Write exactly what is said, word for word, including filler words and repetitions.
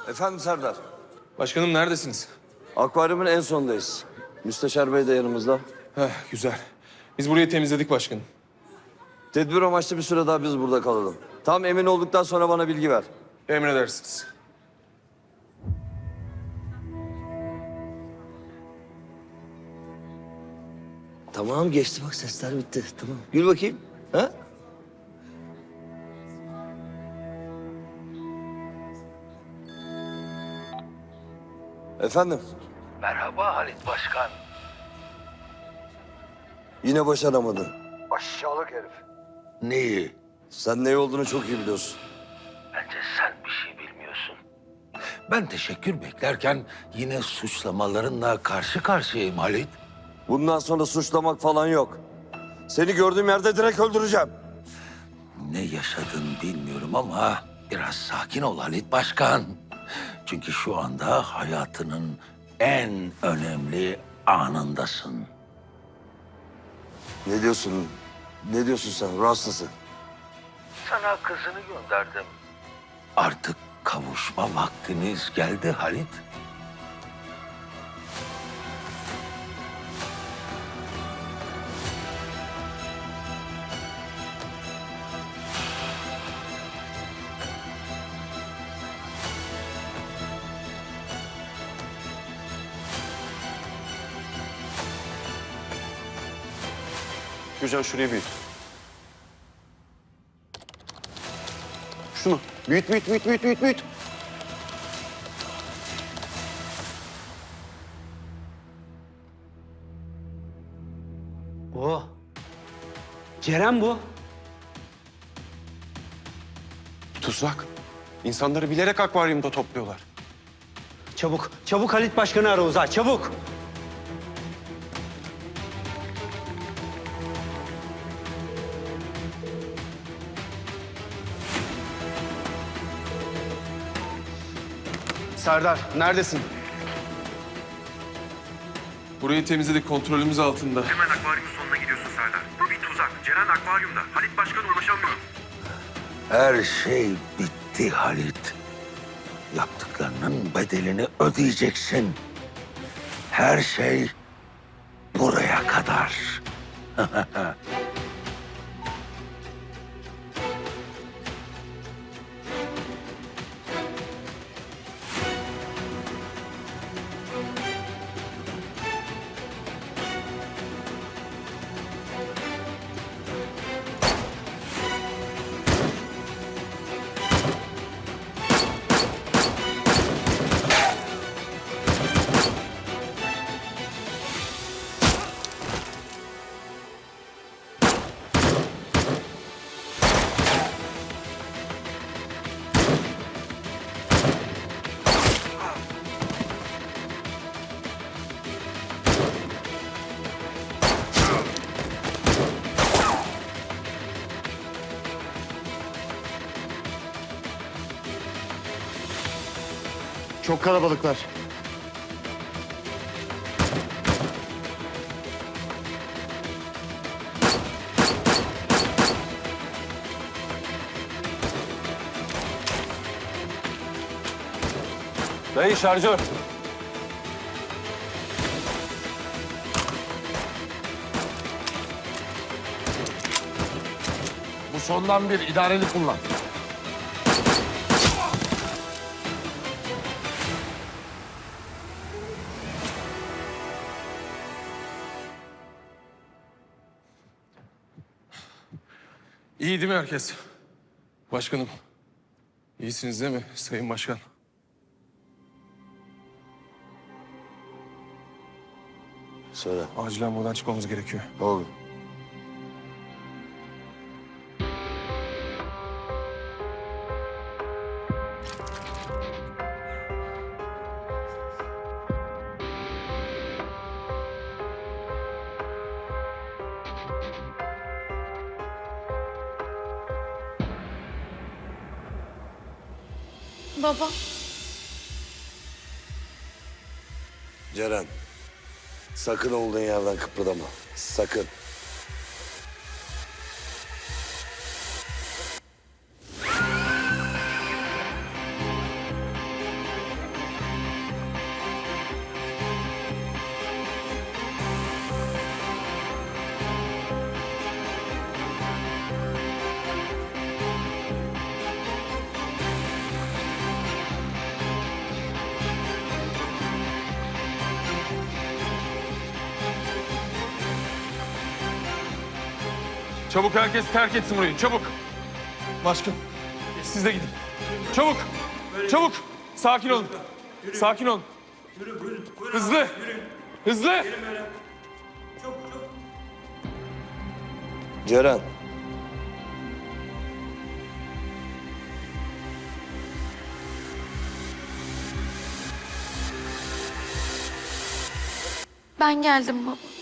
Efendim Serdar. Başkanım neredesiniz? Akvaryumun en sondayız. Müsteşar Bey de yanımızda. Heh, güzel. Biz burayı temizledik başkanım. Tedbir amaçlı bir süre daha biz burada kalalım. Tam emin olduktan sonra bana bilgi ver. Emredersiniz. Tamam geçti bak sesler bitti. Tamam. Gül bakayım. Ha? Efendim? Merhaba Halit Başkan. Yine başaramadın. Aşağılık herif. Neyi? Sen ne olduğunu çok iyi biliyorsun. Bence sen bir şey bilmiyorsun. Ben teşekkür beklerken yine suçlamalarınla karşı karşıyayım Halit. Bundan sonra suçlamak falan yok. Seni gördüğüm yerde direkt öldüreceğim. Ne yaşadın bilmiyorum ama biraz sakin ol Halit Başkan. Çünkü şu anda hayatının en önemli anındasın. Ne diyorsun? Ne diyorsun sen? Ruh hastası. Sana kızını gönderdim. Artık kavuşma vaktiniz geldi Halit. Gürcan şurayı büyüt. Şunu büyüt, büyüt, büyüt, büyüt, büyüt, büyüt. O. Ceren bu. Tuzak. İnsanları bilerek akvaryumda topluyorlar. Çabuk, çabuk Halit Başkan'ı ara Uzay, çabuk. Serdar, neredesin? Burayı temizledik, kontrolümüz altında. Hemen akvaryumun sonuna gidiyorsun Serdar. Bu bir tuzak. Ceren akvaryumda. Halit Başkan'a ulaşamıyorum. Her şey bitti Halit. Yaptıklarının bedelini ödeyeceksin. Her şey buraya kadar. Çok kalabalıklar. Dayı şarjör. Bu sondan bir idareli kullan. İyi değil mi herkes? Başkanım. İyisiniz değil mi Sayın Başkan? Söyle. Acilen buradan çıkmamız gerekiyor. Ne oldu? Baba. Ceren. Sakın olduğun yerden kıpırdama. Sakın. Çabuk herkes terk etsin burayı. Çabuk. Başkan. Siz de gidin. Çabuk. Çabuk. Sakin olun. Sakin olun. Hızlı. Hızlı. Ceren. Ben geldim baba.